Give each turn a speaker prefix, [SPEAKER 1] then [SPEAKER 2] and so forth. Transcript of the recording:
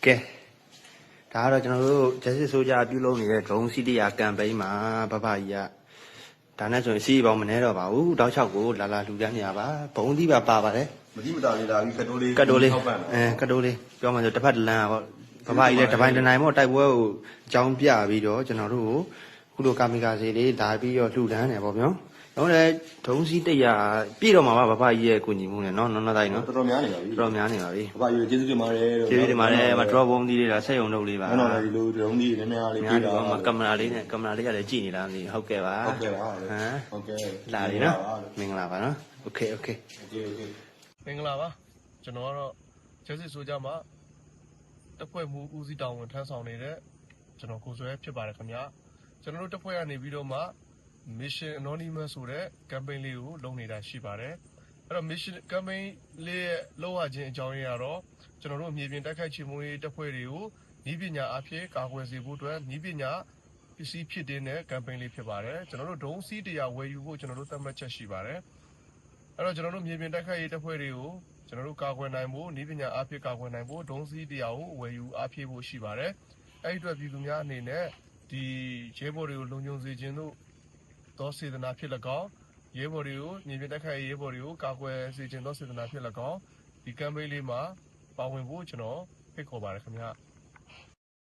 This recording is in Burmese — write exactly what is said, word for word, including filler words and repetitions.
[SPEAKER 1] ကဲဒါကတော့ကျွန်တော်တို့ Justice Soldier ပြုလုပ်နေတဲ့ drone စီးတရား campaign မှာဘဘကြီးကဒါနဲ့ဆိုရင်စီးပေါင်းမနေတော့ပါဘူးတောက်လျှောက်ကိုလာလာလှူဒန်းနေရပါဘုံသီးပါပါပါတယ်
[SPEAKER 2] မတိမတာလေးလာပြီးကတ်တိုးလေး
[SPEAKER 1] ကတ်တိုးလေးအဲကတ်တိုးလေးပြောမှဆိုတစ်ဖက်တစ်လမ်းပေါ့ဘဘကြီးလည်းတပိုင်းတစ်နိုင်ပေါ့တိုက်ပွဲကိုအကြောင်းပြပြီးတော့ကျွန်တော်တို့ကိုခုလိုကာမီကာစီလေးလာပြီးတော့လှူဒန်းနေပေါ့ဗျာတော့လေဒုံစီးတရားပြည့်တော့မှာပါဘဘကြီးရဲ့ကိုညီမှုနဲ့နော်နော်နော်တိုင်းနော်
[SPEAKER 2] တော်တော်များနေပါပြီ
[SPEAKER 1] တော်တော်များနေပါပြီ
[SPEAKER 2] ဘဘကြီးကျေးဇူးတင်ပါတယ်
[SPEAKER 1] ကျေးဇူးတင်ပါတယ်မ drop ဘုံသီးလေးလားဆက်ရုံလုပ်လေးပါ
[SPEAKER 2] နော်နော်ဒီလိုဒုံးကြီးနည်းနည်းလေးပြေးတာ
[SPEAKER 1] ကင်မရာလေးနဲ့ကင်မရာလေးကလည်းကြည့်နေလားမသိဟုတ်ကဲ့ပါ
[SPEAKER 2] ဟုတ်ကဲ့ပါဟမ်
[SPEAKER 1] ဟုတ်ကဲ့လာပြီနော်မင်္ဂလာပါနော်โอเคโอเค
[SPEAKER 2] โอเคโอเค
[SPEAKER 3] မင်္ဂလာပါကျွန်တော်ကတော့ Justice Soldier မှာတပ်ဖွဲ့မှုဦးစီးတောင်ဝင်ထမ်းဆောင်နေတဲ့ကျွန်တော်ကိုစွဲဖြစ်ပါတယ်ခင်ဗျာကျွန်တော်တို့တပ်ဖွဲ့ကနေပြီးတော့မှ Mission Anonymous ဆိုတဲ့ campaign လေးကိုလုပ်နေတာရှိပါတယ်အဲ့တော့ Mission campaign လေးရဲ့လုပ်ရခြင်းအကြောင်းရင်းကတော့ကျွန်တော်တို့မြေပြင်တိုက်ခိုက်ချေမှုရေးတပ်ဖွဲ့တွေကိုဤပညာအဖြစ်ကာကွယ်စေဖို့အတွက်ဤပညာပစ္စည်းဖြစ်တဲ့ campaign လေးဖြစ်ပါတယ်ကျွန်တော်တို့ဒုံးစီးတရားဝယ်ယူဖို့ကျွန်တော်တို့သတ်မှတ်ချက်ရှိပါတယ်အဲ့တော့ကျွန်တော်တို့မြေပြင်တိုက်ခိုက်ရေးတပ်ဖွဲ့တွေကိုကျွန်တော်တို့ကာကွယ်နိုင်ဖို့ဤပညာအဖြစ်ကာကွယ်နိုင်ဖို့ဒုံးစီးတရားကိုဝယ်ယူအားဖြည့်ဖို့ရှိပါတယ်အဲ့ဒီအတွက်ပြည်သူများအနေနဲ့ဒီရဲဘော်တွေကိုလုံခြုံစေခြင်းတို့သောစေတနာဖြစ်၎င်းရဲဘော်တွေကိုမြေပြင်တိုက်ခိုက်ရေးရဲဘော်တွေကိုကာကွယ်စေခြင်းသောစေတနာဖြစ်၎င်းဒီ campaign လေးမှာပါဝင်ဖို့ကျွန်တော်ဖိတ်ခေါ်ပါတယ်ခင်ဗျာ